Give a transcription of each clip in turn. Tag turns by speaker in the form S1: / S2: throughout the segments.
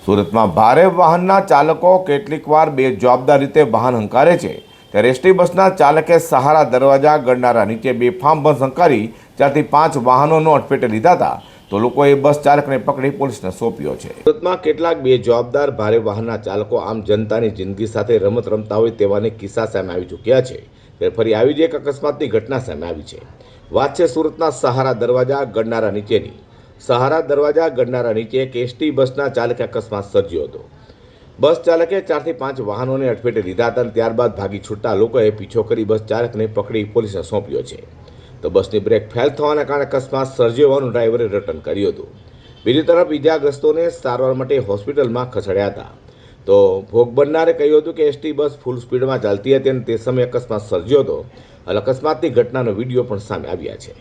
S1: સુરતમાં ભારે વાહનના ચાલકો કેટલીકવાર બેજવાબદાર રીતે વાહન હંકારે છે ત્યારે એસટી બસના ચાલકે સહારા દરવાજા ગણનારા નીચે બેફામ બસ હંકારી 4 થી 5 વાહનોનો અડફેટે લીધા હતા તો લોકોએ બસ ચાલકને પકડી પોલીસને સોંપ્યો છે। સુરતમાં કેટલાક બેજવાબદાર ભારે વાહનના ચાલકો આમ જનતાની જિંદગી સાથે રમત રમતા હોય તેવાને કિસ્સા સામે આવી ચૂક્યા છે ત્યારે ફરી આવી જ એક અકસ્માતની ઘટના સામે આવી છે। વાત છે સુરતના સહારા દરવાજા ગણનારા નીચેની। સહારા દરવાજા ગણનારા નીચે એક એસટી બસના ચાલકે અકસ્માત સર્જ્યો હતો। બસ ચાલકે 4 થી 5 વાહનોને અડફેટે લીધા હતા અને ત્યારબાદ ભાગી છૂટતા લોકોએ પીછો કરી બસ ચાલકને પકડી પોલીસને સોંપ્યો છે તો બસની બ્રેક ફેલ થવાના કારણે અકસ્માત સર્જ્યો હોવાનું ડ્રાઈવરે રટન કર્યું હતું। બીજી તરફ ઇજાગ્રસ્તોને સારવાર માટે હોસ્પિટલમાં ખસેડ્યા હતા તો ભોગ બનનારે કહ્યું હતું કે એસટી બસ ફૂલ સ્પીડમાં ચાલતી હતી અને તે સમયે અકસ્માત સર્જ્યો હતો અને અકસ્માતની घटनाનો वीडियो પણ સામે આવ્યા છે।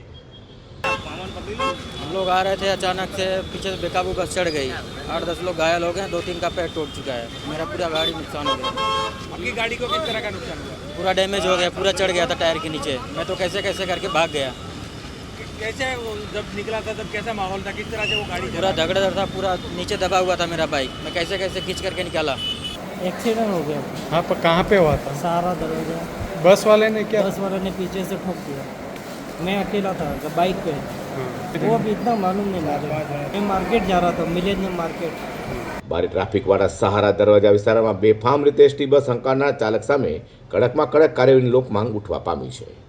S2: हम लोग आ रहे थे, अचानक से पीछे से बेकाबू बस चढ़ गई। 8-10 लोग घायल हो गए, 2-3 का पैर टूट चुका है। मेरा पूरा गाड़ी नुकसान हो गया।
S3: आपकी गाड़ी को किस तरह का नुकसान हुआ?
S2: पूरा डैमेज हो गया, पूरा चढ़ गया था टायर के नीचे। मैं तो कैसे कैसे करके भाग गया।
S3: कैसे वो जब निकला था तब कैसा माहौल था, किस तरह से वो गाड़ी
S2: पूरा धगड़धड़ था, पूरा नीचे दबा हुआ था मेरा बाइक। मैं कैसे कैसे खींच करके निकाला।
S4: एक्सीडेंट हो गया।
S5: हाँ, पर कहाँ पे हुआ था?
S4: सहारा दरवाजा।
S5: बस वाले ने क्या?
S4: बस वाले ने पीछे से ठोक दिया। मैं अकेला था बाइक पे।
S5: हाँ।
S4: वो अभी इतना मालूम नहीं मुझे। मैं मार्केट जा रहा था, मिलेनियम मार्केट।
S1: ભારે ટ્રાફિકવાળા સહારા દરવાજા વિસ્તારમાં બેફામ રીતે એસટી બસ હંકારનાર ચાલક સામે કડકમાં કડક કાર્યવાહીની લોક માંગ ઉઠવા પામી છે।